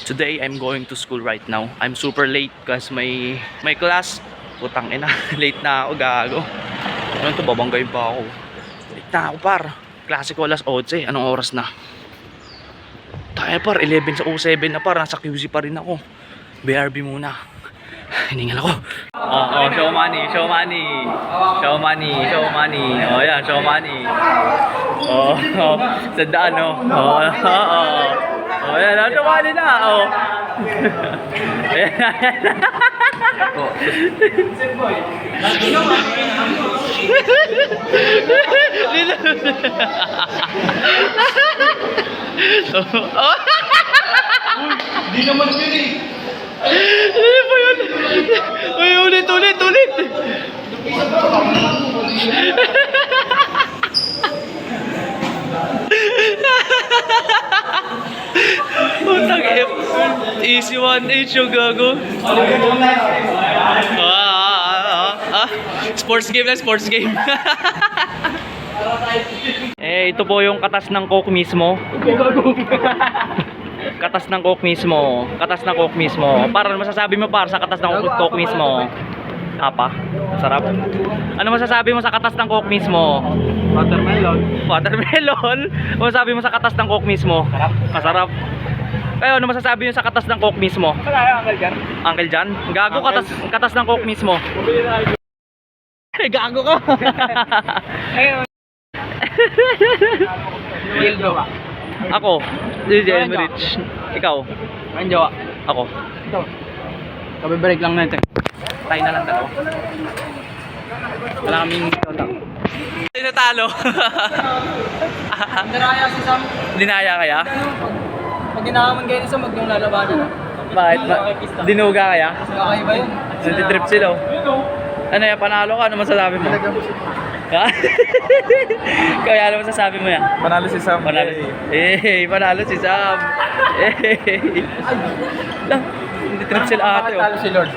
Today I'm going to school right now. I'm super late kasi may class. Putang ina, late na ako, gago. Ano to, babanggayin pa ako. Late na ako par. Klase ko alas 11, anong oras na? Tayo par, 11 sa 07 na par, nasa QC pa rin ako. BRB muna. Hiningal ako. Show money, show money. Show money, show money. Oh, yan, show money. Sandaan, no? Yan, show money na. Di naman yun eh. Ano ba yun? Uy, ulit. Putang F. Easy 1H yung gago. Sports game lang, sports game. Ito po yung katas ng Coke mismo. Katas ng Coke mismo. Para masasabi mo par sa katas ng Coke mismo? Apa? Sarap. Ano masasabi mo sa katas ng Coke mismo? Watermelon? Ano masasabi mo sa katas ng Coke mismo? Masarap. Kayo, ano masasabi mo sa katas ng Coke mismo? Uncle Jan? Gago, katas ng Coke mismo. Gago ka. Ako, DJ Emrich. Ikaw? Ang jawa. Ako. Ito. Kabibreak lang natin. Tayo na lang dalawa. Wala kaming kontak. Sino talo? Dinaya si Sam. Dinaya kaya? Pag ginahaman kayo ni Sam, huwag niyong lalabanan. Bakit? Dinuga kaya? Kakaiba yun. Nagtitrip sila. Ano yan? Panalo ka? Ano masasabi mo? Ha? Kaya ano masasabi mo yan? Panalo si Sam. Panalo si Sam. Lang, hindi trip sila ate. Talo si Lord.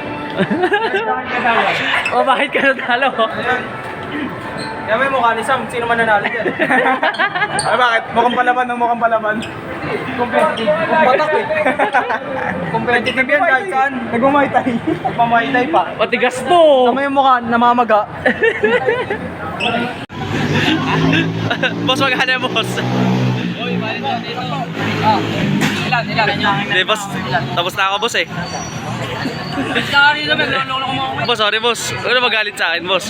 Bakit ka natalo? Yan may mukha ni Sam, sino man nanalo dyan? Ay bakit? Mukhang palaban. Competitive. Patak eh. Competitive yan kahit saan. Nagmamaytay. Nagmamaytay pa. Patigas to. Tama yung mukha, namamaga. Boss, magkano yung boss? Uy, balik mo dito. Ilan? Hindi, boss. Tapos na ako, boss eh. Sorry naman, naloloko mo ako. Boss, sorry, boss. Ano magalit sa akin, boss?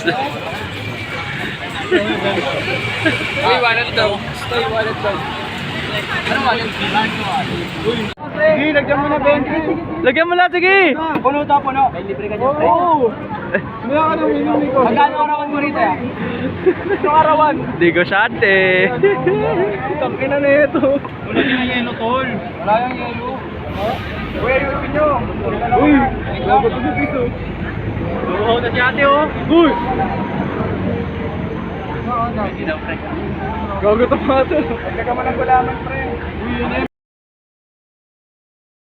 Uy, wallet daw. Ano wallet? Sige, lagyan mo na 20. Lagyan mo lang, sige. Puno. May libre ka dyan. Oo. Maya ka nang minumi ko. Magkano arawan mo rito ya? Itong arawan. Di ko shot eh. Itang ina na ito. Wala yung yelo, tol. Wala yung yelo. Uy, ayusin nyo. Uy, gago to sa piso. Oo, na si ate oh. Uy! Gago to pa ito. Pagka ka man ang gulaman, pre. Uy, yun na yun.